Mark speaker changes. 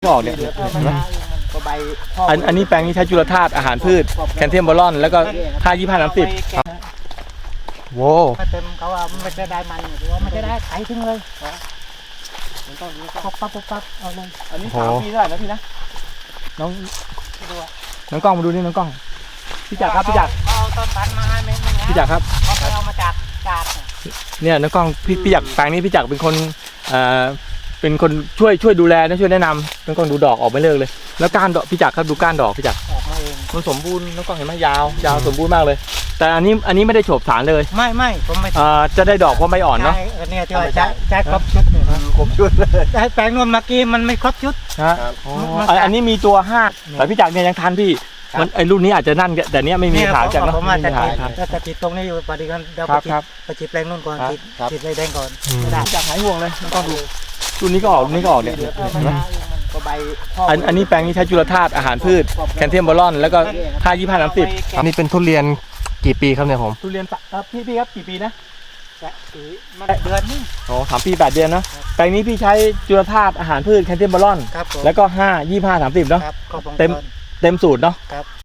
Speaker 1: ออกเนี่ยอันนี้แปลงนี้ใช้จุลธาตุอาหารพืชแคลเซียมบอลอนแล้วก็5 25 30โว้
Speaker 2: เต็มเขาว่าไม่จะได้มันหรือว่าไม่จะได้ไถทิ้งเลยปั๊บเอาเลย
Speaker 1: อันนี้3 ปีเท่าไหร่นะพี่นะน้องกล้องมาดูนี่น้องกล้องพี่จักรครับพี่จักร
Speaker 2: เอาต้นพันธุ์มาให้ไม่
Speaker 1: พี่จักรครับ
Speaker 2: เขาไปเอามาจาก
Speaker 1: เนี่ยน้องกล้องพี่จักรแปลงนี้พี่จักรเป็นคนช่วยดูแลนะช่วยแนะนำน้องกล้องดูดอกออกไม่เลิกเลยแล้วก้านดอกพี่จักรครับดูก้านดอกพี่จักร
Speaker 2: ออกมาเอง
Speaker 1: มันสมบูรณ์น้องกล้องเห็นไหมยาวสมบูรณ์มากเลยแต่อันนี้ไม่ได้โฉบสารเลย
Speaker 2: ไม่ผมไม่
Speaker 1: จะได้ดอกเพราะใบอ่อนเนาะ
Speaker 2: เนี่ยที่ว่าใช้ครบชุด
Speaker 1: ครบชุดเลย
Speaker 2: แต่แปลงนวลเมื่อกี้มันไม่ครบชุด
Speaker 1: อันนี้มีตัว5แต่พี่จักรเนี่ยยังทันพี่มันไอ้รุ่นนี้อาจจะนั่นแต่เนี้ยไม่มีขายจากเนาะ
Speaker 2: ผมจะติดตรงนี้อยู่ปฏิกันเดี๋ยวไปจิตแปลงนู่นก่อนจิตไรแดงก่อน
Speaker 1: จะหายห่วงเลยน้องกล้องดูรุ่นนี้ก็ออกเนี่ยอันนี้แปลงนี้ใช้จุลธาตุอาหารพืชแคลเซียมบอลอนแล้วก็5 25 30
Speaker 3: นี่เป็นทุเรียนกี่ปีครับเนี่ยผม
Speaker 1: ทุเรียนพี่ครับกี่ปีนะ
Speaker 2: เดือนนึง
Speaker 1: 3 ปี 8 เดือนนะแปลงนี้พี่ใช้จุลธาตุอาหารพืชแคลเซียมบอลอนแล้วก็5 25 30เนาะเต็มสูตรเนาะ